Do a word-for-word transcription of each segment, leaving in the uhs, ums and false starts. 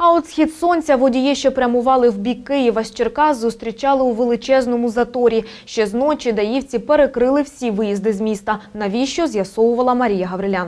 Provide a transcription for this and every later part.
А от схід сонця водії, що прямували в бік Києва з Черкас, зустрічали у величезному заторі. Ще з ночі даївці перекрили всі виїзди з міста. Навіщо, з'ясовувала Марія Гаврилян.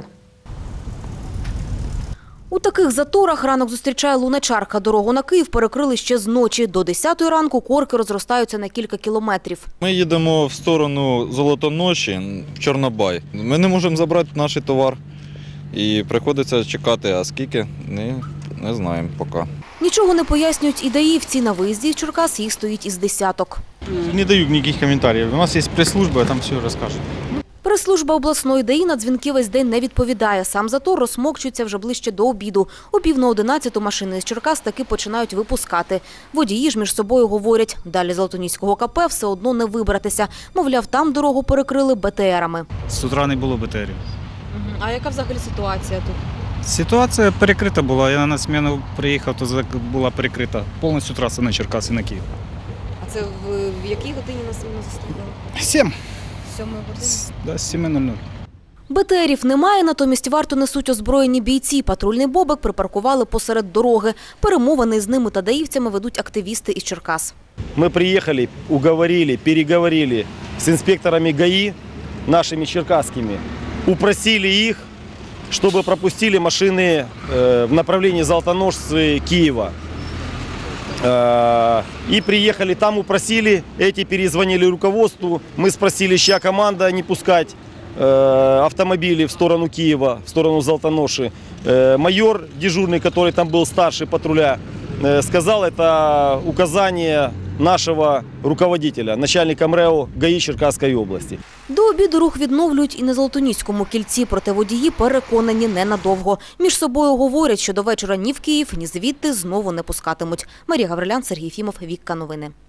У таких заторах ранок зустрічає луначарка. Дорогу на Київ перекрили ще з ночі. До десятої ранку корки розростаються на кілька кілометрів. Ми їдемо в сторону Золотоноші, в Чорнобай. Ми не можемо забрати наш товар і приходиться чекати, а скільки – не, не знаємо поки. Нічого не пояснюють і даївці. На виїзді з Черкас їх стоїть із десяток. Не даю ніяких коментарів. У нас є прес-служба, там все розкажуть. Прес-служба обласної ДАІ на дзвінки весь день не відповідає. Сам затор розсмокчується вже ближче до обіду. О пів на одинадцяту машини з Черкас таки починають випускати. Водії ж між собою говорять, далі Золотоніського КП все одно не вибратися. Мовляв, там дорогу перекрили БТРами. З утра не було БТРів. А яка взагалі ситуація тут? Ситуація перекрита була. Я на зміну приїхав, то була перекрита повністю траса на Черкаси, на Київ. А це в якій годині нас зустріли? Сім. Сьомої години? Да, з семи нуль нуль. БТРів немає, натомість варту несуть озброєні бійці. Патрульний бобик припаркували посеред дороги. Перемовини з ними та даївцями ведуть активісти із Черкас. Мы приехали, уговорили, переговорили с инспекторами ГАИ, нашими черкасскими, упросили их, чтобы пропустили машины в направлении Золотоношцы Киева. И приехали, там упросили, эти перезвонили руководству, мы спросили, чья команда не пускать автомобили в сторону Киева, в сторону Золотоноши. Майор дежурный, который там был старший патруля, сказал, это указание нашого руководителя, начальника МРЕО ГАІ Черкаської області. До обіду рух відновлюють і на Золотоніському кільці, проте водії переконані ненадовго. Між собою говорять, що до вечора ні в Київ, ні звідти знову не пускатимуть. Марія Гаврилян, Сергій Фімов, Вікка Новини.